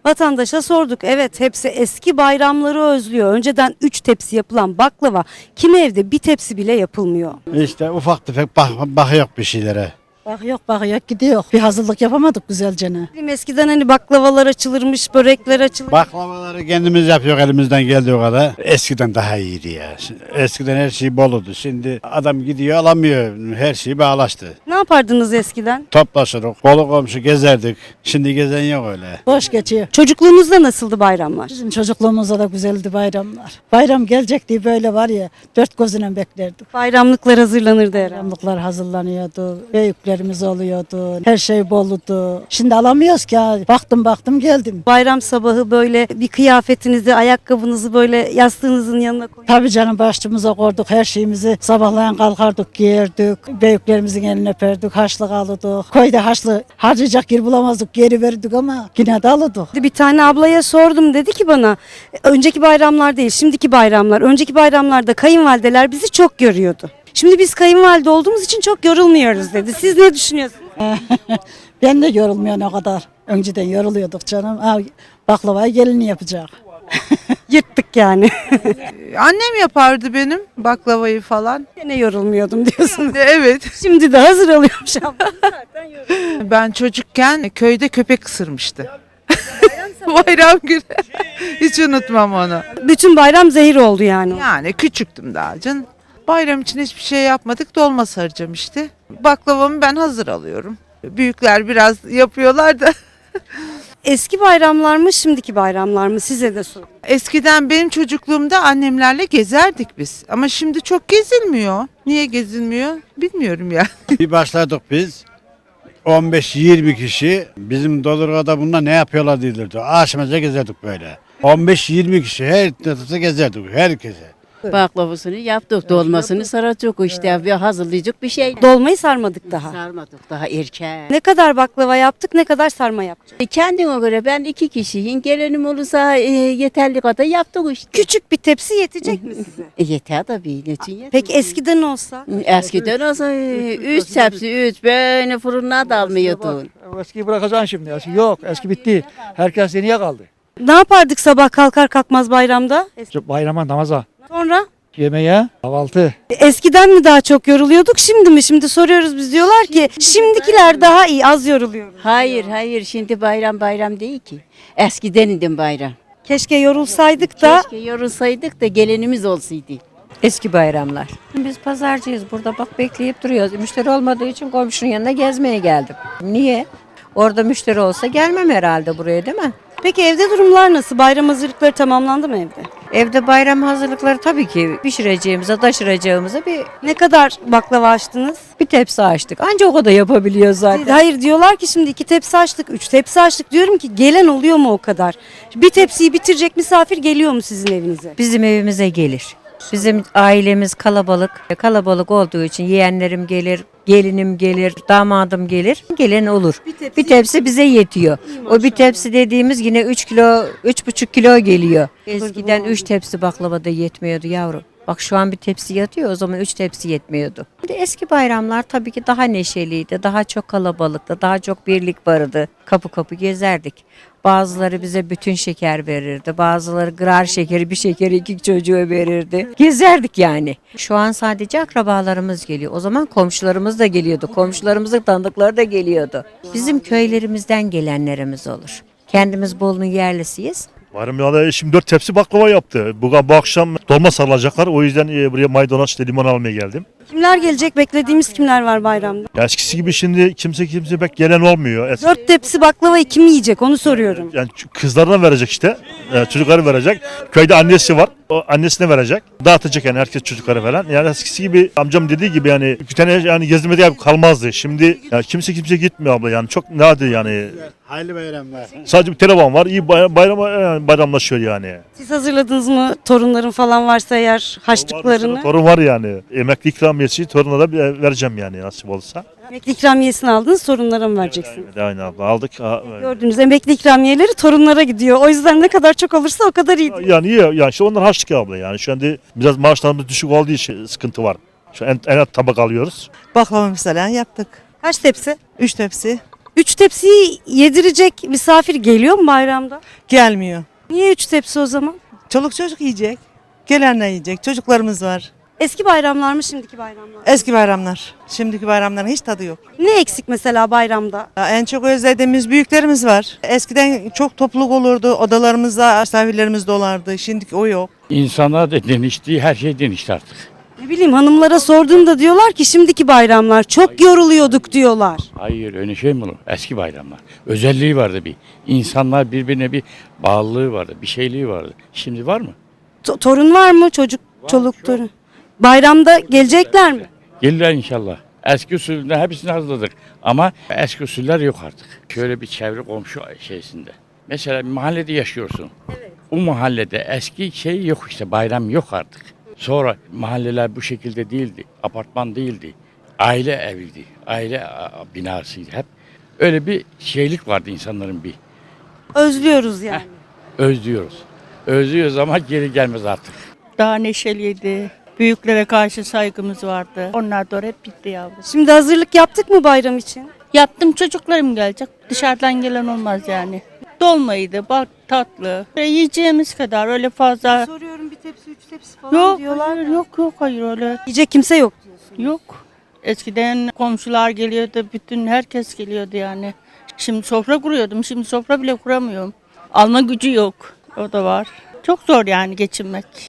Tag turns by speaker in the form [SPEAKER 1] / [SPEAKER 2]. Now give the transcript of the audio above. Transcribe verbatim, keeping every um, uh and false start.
[SPEAKER 1] Vatandaşa sorduk. Evet, hepsi eski bayramları özlüyor. Önceden üç tepsi yapılan baklava kimi evde bir tepsi bile yapılmıyor.
[SPEAKER 2] İşte ufak tefek bak, bakıyor bir şeylere.
[SPEAKER 3] Bak yok bak yok gidiyor. Bir hazırlık yapamadık güzelce ne.
[SPEAKER 1] Bizim eskiden hani baklavalar açılırmış, börekler açılır.
[SPEAKER 2] Baklavaları kendimiz yapıyor elimizden geldiği kadar. Eskiden daha iyiydi ya. Eskiden her şey boludu. Şimdi adam gidiyor alamıyor. Her şey bağlaştı.
[SPEAKER 1] Ne yapardınız eskiden?
[SPEAKER 2] Toplaşırdık, kolu komşu gezerdik. Şimdi gezen yok öyle.
[SPEAKER 3] Boş geçiyor.
[SPEAKER 1] Çocukluğunuzda nasıldı bayramlar?
[SPEAKER 3] Bizim çocukluğumuzda da güzeldi bayramlar. Bayram gelecek diye böyle var ya dört gözüyle beklerdik.
[SPEAKER 1] Bayramlıklar hazırlanırdı herhalde.
[SPEAKER 3] Bayramlıklar hazırlanıyordu. Büyüklerimiz oluyordu. Her şey bolludu. Şimdi alamıyoruz ki ha. Baktım baktım geldim.
[SPEAKER 1] Bayram sabahı böyle bir kıyafetinizi, ayakkabınızı böyle yastığınızın yanına koyup
[SPEAKER 3] Tabii canım başımıza koyduk her şeyimizi. Sabahleyin kalkardık giyerdik. Büyüklerimizin elini öperdik. Haçlık alırdık. Köyde haçlı harcayacak yer bulamazdık. Geri verdik ama yine de alırdık.
[SPEAKER 1] bir tane ablaya sordum, dedi ki bana önceki bayramlar değil şimdiki bayramlar. Önceki bayramlarda kayınvalideler bizi çok görüyordu. Şimdi biz kayınvalide olduğumuz için çok yorulmuyoruz dedi. Siz ne düşünüyorsunuz?
[SPEAKER 3] Ben de yorulmuyorum o kadar. Önceden yoruluyorduk canım. Ha, baklavayı gelini yapacak.
[SPEAKER 1] Yırttık yani.
[SPEAKER 4] Annem yapardı benim baklavayı falan.
[SPEAKER 1] Gene yorulmuyordum diyorsunuz.
[SPEAKER 4] Evet.
[SPEAKER 1] Şimdi de hazır alıyormuş abla.
[SPEAKER 4] Ben çocukken köyde köpek ısırmıştı. Bayram günü. Hiç unutmam onu.
[SPEAKER 1] Bütün bayram zehir oldu yani.
[SPEAKER 4] Yani küçüktüm daha canım. Bayram için hiçbir şey yapmadık. Dolma saracağım işte. Baklavamı ben hazır alıyorum. Büyükler biraz yapıyorlar da.
[SPEAKER 1] Eski bayramlar mı şimdiki bayramlar mı, size de sor.
[SPEAKER 4] Eskiden benim çocukluğumda annemlerle gezerdik biz. Ama şimdi çok gezilmiyor. Niye gezilmiyor bilmiyorum ya.
[SPEAKER 2] Bir başladık biz. on beş yirmi kişi bizim Dodurga'da bunlar ne yapıyorlar diyorlardı. Aşmaca gezerdik böyle. on beş yirmi kişi her tarafta gezerdik herkese.
[SPEAKER 5] Baklavasını yaptık, dolmasını saracak işte bir hazırlayacak bir şey.
[SPEAKER 1] Dolmayı sarmadık daha.
[SPEAKER 5] Sarmadık daha erken.
[SPEAKER 1] Ne kadar baklava yaptık, ne kadar sarma yaptık.
[SPEAKER 5] E, Kendine göre ben iki kişiyim. Gelenim olursa e, yeterli kadar yaptık işte.
[SPEAKER 1] Küçük bir tepsi yetecek mi size?
[SPEAKER 5] E, yeter tabii. Ne için yeter?
[SPEAKER 1] Peki eskiden olsa?
[SPEAKER 5] Eskiden olsa e, üç tepsi, üç böyle fırına dalmıyordun.
[SPEAKER 6] Eskiyi bırakacaksın şimdi. Eski yok. Eski bitti. Herkes yeniye kaldı.
[SPEAKER 1] Ne yapardık sabah kalkar kalkmaz bayramda? Es-
[SPEAKER 6] Bayrama, namaza,
[SPEAKER 1] Sonra?
[SPEAKER 6] yemeğe, kahvaltı.
[SPEAKER 1] Eskiden mi daha çok yoruluyorduk, şimdi mi? Şimdi soruyoruz, biz diyorlar ki şimdikiler daha iyi, az yoruluyoruz.
[SPEAKER 5] Hayır hayır şimdi bayram bayram değil ki. Eskiden idim bayram.
[SPEAKER 1] Keşke yorulsaydık da.
[SPEAKER 5] Keşke yorulsaydık da gelenimiz olsaydı.
[SPEAKER 7] Eski bayramlar. Biz pazarcıyız burada, bak bekleyip duruyoruz. Müşteri olmadığı için komşunun yanına gezmeye geldim. Niye? Orada müşteri olsa gelmem herhalde buraya, değil mi?
[SPEAKER 1] Peki evde durumlar nasıl? Bayram hazırlıkları tamamlandı mı evde?
[SPEAKER 7] Evde bayram hazırlıkları tabii ki pişireceğimize, taşıracağımıza bir,
[SPEAKER 1] Ne kadar baklava açtınız?
[SPEAKER 7] bir tepsi açtık. Anca o kadar yapabiliyoruz zaten.
[SPEAKER 1] Hayır, diyorlar ki şimdi iki tepsi açtık, üç tepsi açtık. Diyorum ki gelen oluyor mu o kadar? Bir tepsiyi bitirecek misafir geliyor mu sizin evinize?
[SPEAKER 7] Bizim evimize gelir. Bizim ailemiz kalabalık. Kalabalık olduğu için yeğenlerim gelir, gelinim gelir, damadım gelir. Gelen olur. Bir tepsi, bize yetiyor. O bir tepsi dediğimiz yine üç kilo, üç buçuk kilo geliyor. Eskiden üç tepsi baklava da yetmiyordu yavrum. Bak şu an bir tepsi yatıyor, o zaman üç tepsi yetmiyordu. Şimdi eski bayramlar tabii ki daha neşeliydi, daha çok kalabalıktı, daha çok birlik vardı. Kapı kapı gezerdik. Bazıları bize bütün şeker verirdi, bazıları grar şekeri, bir şekeri iki çocuğa verirdi. Gezerdik yani. Şu an sadece akrabalarımız geliyor. O zaman komşularımız da geliyordu, komşularımızın tanıdıkları da geliyordu. Bizim köylerimizden gelenlerimiz olur. Kendimiz Bolu'nun yerlisiyiz.
[SPEAKER 8] Varım ya da eşim dört tepsi baklava yaptı. Bu, bu akşam dolma sarılacaklar. O yüzden e, buraya maydanoz işte limon almaya geldim.
[SPEAKER 1] Kimler gelecek? Beklediğimiz kimler var bayramda?
[SPEAKER 8] Ya eskisi gibi şimdi kimse kimse pek gelen olmuyor. Eski,
[SPEAKER 1] Dört tepsi baklavayı kim yiyecek, onu soruyorum.
[SPEAKER 8] yani ç- kızlarına verecek işte. E, çocukları verecek. Köyde annesi var. O annesine verecek. Dağıtacak yani herkes çocukları falan. Yani eskisi gibi amcam dediği gibi yani bir tane yani gezmede kalmazdı. Şimdi yani kimse kimse gitmiyor abla yani çok nadir yani.
[SPEAKER 2] Hayırlı bayramlar.
[SPEAKER 8] Sadece bir telefon var. İyi bay- bayrama yani bayramlaşıyor yani.
[SPEAKER 1] Siz hazırladınız mı torunların falan varsa eğer haçlıklarını?
[SPEAKER 8] Torun var yani. Emekli ikramiyesi toruna da bir- vereceğim yani nasip olursa.
[SPEAKER 1] Emekli ikramiyesini aldınız, torunlara mı vereceksiniz?
[SPEAKER 8] Evet, aynı abla aldık. Ha, evet.
[SPEAKER 1] Gördüğünüz emekli ikramiyeleri torunlara gidiyor. O yüzden ne kadar çok olursa o kadar iyi.
[SPEAKER 8] Yani iyi yani işte onlar harçlık abla yani şu anda biraz maaşlarımız düşük olduğu için sıkıntı var. Şu en, en alt tabak alıyoruz.
[SPEAKER 9] Baklava mesela yaptık.
[SPEAKER 1] Kaç tepsi?
[SPEAKER 9] Üç tepsi.
[SPEAKER 1] Üç tepsiyi yedirecek misafir geliyor mu bayramda?
[SPEAKER 9] Gelmiyor.
[SPEAKER 1] Niye üç tepsi o zaman?
[SPEAKER 9] Çoluk çocuk yiyecek. Gelenler yiyecek. Çocuklarımız var.
[SPEAKER 1] Eski bayramlar mı şimdiki bayramlar mı?
[SPEAKER 9] Eski bayramlar. Şimdiki bayramların hiç tadı yok.
[SPEAKER 1] Ne eksik mesela bayramda?
[SPEAKER 9] Ya en çok özlediğimiz büyüklerimiz var. Eskiden çok topluluk olurdu. Odalarımızda misafirlerimiz dolardı. Şimdiki o yok.
[SPEAKER 10] İnsanlar da denişti, her şey denişti artık.
[SPEAKER 1] Ne bileyim hanımlara sorduğumda diyorlar ki şimdiki bayramlar çok yoruluyorduk diyorlar.
[SPEAKER 10] Hayır öyle şey mi olur? Eski bayramlar. Özelliği vardı bir. İnsanlar birbirine bir bağlılığı vardı, bir şeyliği vardı. Şimdi var mı?
[SPEAKER 1] To- torun var mı çocuk, çoluk torun? Bayramda gelecekler mi?
[SPEAKER 10] Gelirler inşallah. Eski usulünden hepsini hazırladık. Ama eski usuller yok artık. Şöyle bir çevre komşu şeysinde. Mesela bir mahallede yaşıyorsun. O mahallede eski şey yok işte, bayram yok artık. Sonra mahalleler bu şekilde değildi. Apartman değildi. Aile eviydi. Aile a, binasıydı hep. Öyle bir şeylik vardı insanların bir.
[SPEAKER 1] Özlüyoruz yani.
[SPEAKER 10] Özlüyoruz. Özlüyoruz ama geri gelmez artık.
[SPEAKER 11] Daha neşeliydi. Büyüklere karşı saygımız vardı. Onlar da hep bitti yavrum.
[SPEAKER 1] Şimdi hazırlık yaptık mı bayram için?
[SPEAKER 11] Yaptım, çocuklarım gelecek. Dışarıdan gelen olmaz yani. Dolmaydı, bak tatlı. Ve yiyeceğimiz kadar öyle fazla.
[SPEAKER 1] Soruyorum bir tepsi, üç tepsi falan
[SPEAKER 11] Yok,
[SPEAKER 1] diyorlar.
[SPEAKER 11] hayır, yok yok hayır öyle.
[SPEAKER 1] Yiyecek kimse yok diyorsun.
[SPEAKER 11] Yok. Eskiden komşular geliyordu, bütün herkes geliyordu yani. Şimdi sofra kuruyordum, şimdi sofra bile kuramıyorum. Alma gücü yok, o da var. Çok zor yani geçinmek.